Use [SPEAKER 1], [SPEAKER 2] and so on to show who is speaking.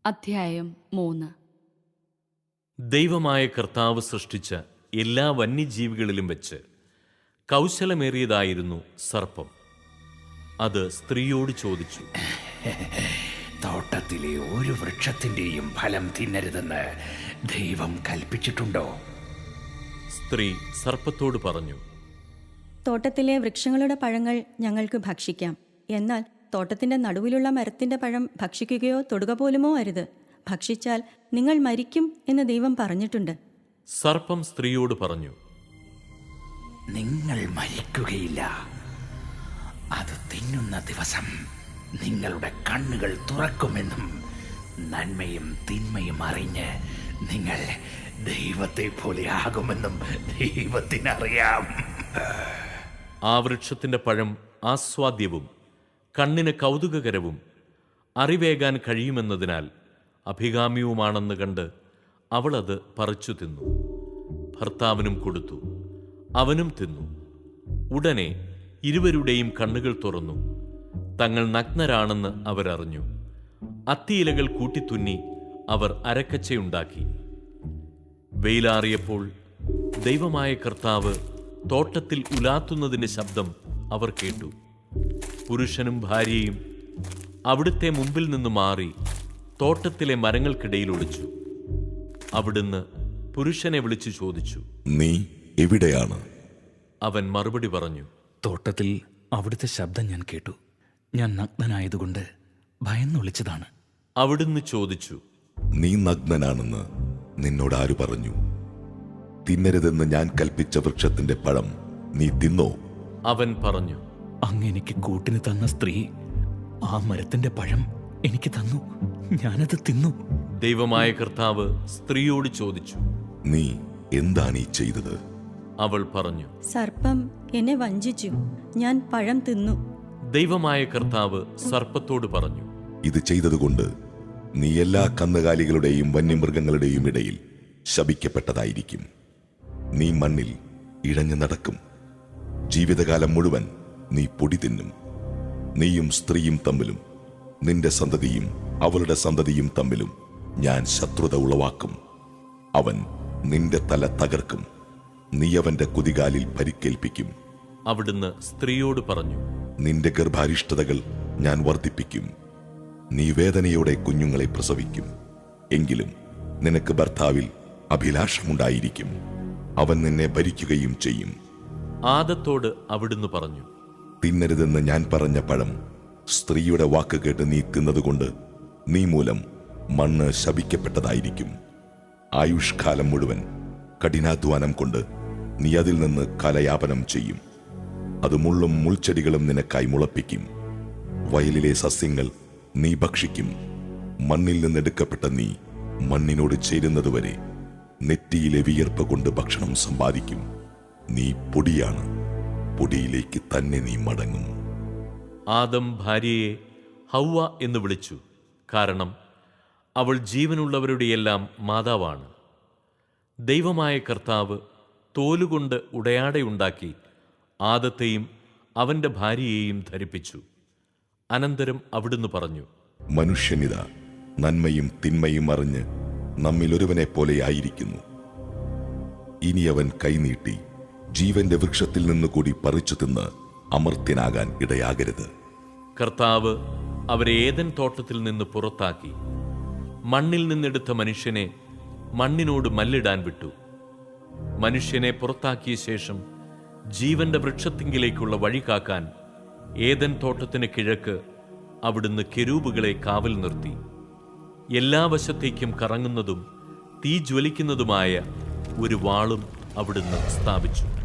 [SPEAKER 1] അധ്യായം 3.
[SPEAKER 2] ദൈവമായ കർത്താവ് സൃഷ്ടിച്ച എല്ലാ വന്യജീവികളിലും വെച്ച് കൗശലമേറിയതായിരുന്നു സർപ്പം. അത് സ്ത്രീയോട് ചോദിച്ചു,
[SPEAKER 3] തോട്ടത്തിലെ ഒരു വൃക്ഷത്തിന്റെയും ഫലം തിന്നരുതെന്ന് ദൈവം കൽപ്പിച്ചിട്ടുണ്ടോ?
[SPEAKER 2] സ്ത്രീ സർപ്പത്തോട് പറഞ്ഞു,
[SPEAKER 4] തോട്ടത്തിലെ വൃക്ഷങ്ങളുടെ പഴങ്ങൾ ഞങ്ങൾക്ക് ഭക്ഷിക്കാം. എന്നാൽ തോട്ടത്തിന്റെ നടുവിലുള്ള മരത്തിന്റെ പഴം ഭക്ഷിക്കുകയോ തൊടുക പോലുമോ അരുത്. ഭക്ഷിച്ചാൽ നിങ്ങൾ മരിക്കും എന്ന് ദൈവം പറഞ്ഞിട്ടുണ്ട്.
[SPEAKER 2] സർപ്പം സ്ത്രീയോട് പറഞ്ഞു,
[SPEAKER 3] നിങ്ങൾ മരിക്കുകയില്ല. അത് തിന്നുന്ന ദിവസം നിങ്ങളുടെ കണ്ണുകൾ തുറക്കുമെന്നും നന്മയും തിന്മയും അറിഞ്ഞ് നിങ്ങൾ ദൈവത്തെ പോലെ ആകുമെന്നും ദൈവത്തിനറിയാം.
[SPEAKER 2] ആ വൃക്ഷത്തിന്റെ പഴം ആസ്വാദ്യവും കണ്ണിന് കൗതുകകരവും അറിവേകാൻ കഴിയുമെന്നതിനാൽ അഭികാമ്യവുമാണെന്ന് കണ്ട് അവൾ അത് പറിച്ചു തിന്നു. ഭർത്താവിനും കൊടുത്തു, അവനും തിന്നു. ഉടനെ ഇരുവരുടെയും കണ്ണുകൾ തുറന്നു. തങ്ങൾ നഗ്നരാണെന്ന് അവരറിഞ്ഞു. അത്തിയിലകൾ കൂട്ടിത്തുന്നി അവർ അരക്കച്ചയുണ്ടാക്കി. വെയിലാറിയപ്പോൾ ദൈവമായ കർത്താവ് തോട്ടത്തിൽ ഉലാത്തുന്നതിൻ്റെ ശബ്ദം അവർ കേട്ടു. പുരുഷനും ഭാര്യയും അവിടുത്തെ മുമ്പിൽ നിന്ന് മാറി തോട്ടത്തിലെ മരങ്ങൾക്കിടയിൽ ഒളിച്ചു. അവിടുന്ന് പുരുഷനെ വിളിച്ചു ചോദിച്ചു,
[SPEAKER 5] നീ എവിടെയാണ്?
[SPEAKER 2] അവൻ മറുപടി പറഞ്ഞു,
[SPEAKER 3] തോട്ടത്തിൽ അവിടുത്തെ ശബ്ദം ഞാൻ കേട്ടു. ഞാൻ നഗ്നനായതുകൊണ്ട് ഭയന്നൊളിച്ചതാണ്.
[SPEAKER 2] അവിടുന്ന് ചോദിച്ചു,
[SPEAKER 5] നീ നഗ്നനാണെന്ന് നിന്നോട് ആര് പറഞ്ഞു? തിന്നരുതെന്ന് ഞാൻ കൽപ്പിച്ച വൃക്ഷത്തിന്റെ പഴം നീ തിന്നോ?
[SPEAKER 2] അവൻ പറഞ്ഞു,
[SPEAKER 3] അങ്ങ് എനിക്ക് കൂട്ടിന് തന്ന സ്ത്രീ ആ മരത്തിന്റെ പഴം എനിക്ക് തന്നു. ഞാനത് തിന്നു.
[SPEAKER 2] ദൈവമായ കർത്താവ് സ്ത്രീയോട് ചോദിച്ചു,
[SPEAKER 5] നീ എന്താണ് ഈ ചെയ്തത്?
[SPEAKER 2] അവൾ പറഞ്ഞു,
[SPEAKER 4] സർപ്പം എന്നെ വഞ്ചിച്ചു, ഞാൻ പഴം തിന്നു.
[SPEAKER 2] ദൈവമായ കർത്താവ് സർപ്പത്തോട് പറഞ്ഞു,
[SPEAKER 5] ഇത് ചെയ്തതുകൊണ്ട് നീ എല്ലാ കന്നുകാലികളുടെയും വന്യമൃഗങ്ങളുടെയും ഇടയിൽ ശപിക്കപ്പെട്ടതായിരിക്കും. നീ മണ്ണിൽ ഇഴഞ്ഞു നടക്കും. ജീവിതകാലം മുഴുവൻ നീ പൊടി തിന്നും. നീയും സ്ത്രീയും തമ്മിലും നിന്റെ സന്തതിയും അവളുടെ സന്തതിയും തമ്മിലും ഞാൻ ശത്രുത ഉളവാക്കും. അവൻ നിന്റെ തല തകർക്കും, നീ അവന്റെ കുതികാലിൽ പരിക്കേൽപ്പിക്കും.
[SPEAKER 2] അവിടുന്ന് സ്ത്രീയോട് പറഞ്ഞു,
[SPEAKER 5] നിന്റെ ഗർഭാരിഷ്ടതകൾ ഞാൻ വർദ്ധിപ്പിക്കും. നീ വേദനയോടെ കുഞ്ഞുങ്ങളെ പ്രസവിക്കും. എങ്കിലും നിനക്ക് ഭർത്താവിൽ അഭിലാഷമുണ്ടായിരിക്കും. അവൻ നിന്നെ ഭരിക്കുകയും ചെയ്യും.
[SPEAKER 2] ആദത്തോട് അവിടുന്ന് പറഞ്ഞു,
[SPEAKER 5] തിന്നരുതെന്ന് ഞാൻ പറഞ്ഞ പഴം സ്ത്രീയുടെ വാക്ക് കേട്ട് നീ തിന്നതുകൊണ്ട് നീ മൂലം മണ്ണ് ശപിക്കപ്പെട്ടതായിരിക്കും. ആയുഷ്കാലം മുഴുവൻ കഠിനാധ്വാനം കൊണ്ട് നീ അതിൽ നിന്ന് കലയാപനം ചെയ്യും. അത് മുള്ളും മുൾച്ചെടികളും നിനക്കായി മുളപ്പിക്കും. വയലിലെ സസ്യങ്ങൾ നീ ഭക്ഷിക്കും. മണ്ണിൽ നിന്നെടുക്കപ്പെട്ട നീ മണ്ണിനോട് ചേരുന്നതുവരെ നെറ്റിയിലെ വിയർപ്പ് കൊണ്ട് ഭക്ഷണം സമ്പാദിക്കും. നീ പൊടിയാണ്, പൊടിയിലേക്ക് തന്നെ നീ മടങ്ങും.
[SPEAKER 2] ആദം ഭാര്യയെ ഹൗവ എന്ന് വിളിച്ചു. കാരണം അവൾ ജീവനുള്ളവരുടെയെല്ലാം മാതാവാണ്. ദൈവമായ കർത്താവ് തോലുകൊണ്ട് ഉടയാടയുണ്ടാക്കി ആദത്തെയും അവന്റെ ഭാര്യയെയും ധരിപ്പിച്ചു. അനന്തരം അവിടുന്ന് പറഞ്ഞു,
[SPEAKER 5] മനുഷ്യനിത നന്മയും തിന്മയും അറിഞ്ഞ് നമ്മിൽ ഒരുവനെ പോലെയായിരിക്കുന്നു. ഇനി അവൻ കൈനീട്ടി ജീവന്റെ വൃക്ഷത്തിൽ നിന്നുകൂടി പറിച്ചു തിന്ന് അമർത്യനാകാൻ ഇടയാകരുത്.
[SPEAKER 2] കർത്താവ് അവരെ ഏദൻ തോട്ടത്തിൽ നിന്ന് പുറത്താക്കി മണ്ണിൽ നിന്നെടുത്ത മനുഷ്യനെ മണ്ണിനോട് മല്ലിടാൻ വിട്ടു. മനുഷ്യനെ പുറത്താക്കിയ ശേഷം ജീവന്റെ വൃക്ഷത്തിങ്കിലേക്കുള്ള വഴി കാക്കാൻ ഏദൻ തോട്ടത്തിന് കിഴക്ക് അവിടുന്ന് കെരൂബുകളെ കാവൽ നിർത്തി. എല്ലാ വശത്തേക്കും കറങ്ങുന്നതും തീ ജ്വലിക്കുന്നതുമായ ഒരു വാളും അവിടുന്ന് സ്ഥാപിച്ചു.